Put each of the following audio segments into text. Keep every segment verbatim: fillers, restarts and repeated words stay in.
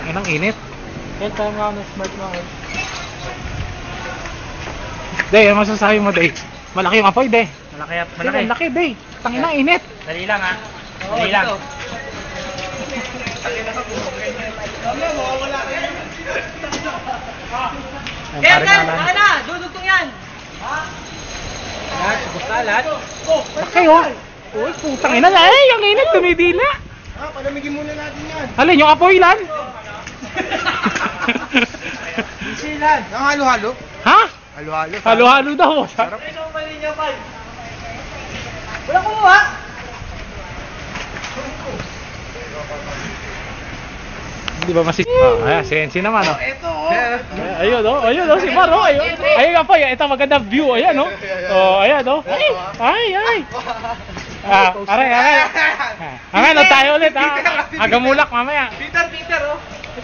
Inang init. Kaya tayo nga ng smart mga. Day, ano masasabi mo, Day? Malaki yung apoy, Day. Malaki at Malaki. Malaki, Day. Tangina, init. Dali lang ha. Dali lang. Kaya kan, kaya na! Dudugtong yan! Ha? Lahat, basta lahat. Laki, oh. Uy, putang ina na. Eh, yung init, tumidila. Ha, palamigin muna natin yan. Alin, yung apoy lan? Isilan. Ang halo-halo? Ha? Halo-halo. Halo-halo daw. Sarap. Ito ang mali niya, Pal. Wala kumuha. Hindi ba masik... Oh, ayan, si Enzi naman, oh. Ito, oh. Ayun, oh. Ayun, oh. Si Mar, oh. Ayun, ayun nga po. Ito, magandang view. Ayan, oh. Oh, ayan, oh. Ay, ay, ay. Ah, aray, aray. Aray, no, tayo ulit, ha. Agamulak, mamaya. Peter, Peter, oh.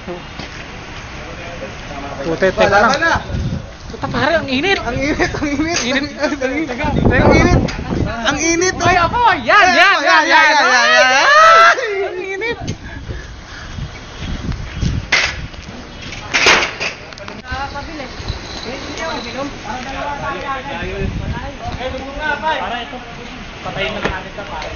Puti, teka lang. Puta, pare, ang init. Ang init, ang init. Init. Ang init. Teka, Ang init. Ang init. Ay, ako. Yan, yan, yan, yan. Ang init. Pabili. Eh, dugo nga, Pal. Para ito. Patayin na natin ito, pare.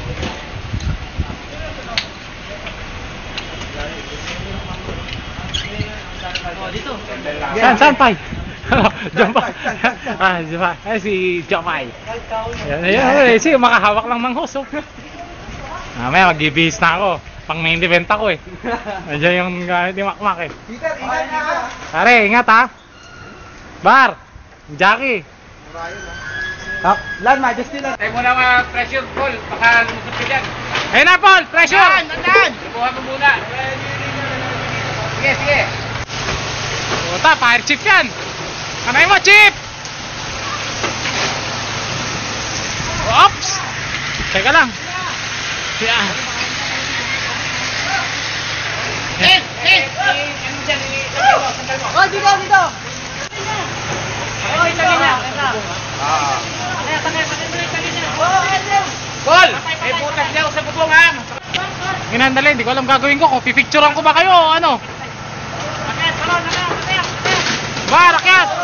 Oh, dito. Saan, saan, Pai? Jampay. Ah, Jampay. Ay, si Jampay. Ayan, ayan. Si makahawak lang ng hose, oh. Mamaya, mag-ibihis na ako. Pang main event ako, eh. Nandiyan yung gamit ni Makmak, eh. Peter, ingat na. Pare, ingat, ha. Bar. Jackie. Ah, Lan, Majesty lang. Tayo muna mga pressure, Paul. Baka lumusot ka dyan. Ayun na, Paul. Pressure. Lan, Lan. Lubuhan mo muna. Sige, sige. Puta, fire chief yan. Kanay mo, chief. Oops. Teka lang. Yeah. Eh, eh. Ano dyan? Oh, dito, dito. Oh, itagin niya. Ah. Paul! May butas niya sa bubong, ha? Inandali, hindi ko alam gagawin ko. Kung pipicturean ko ba kayo o ano? Akit, talon, akit, akit, akit. Bar, akyat.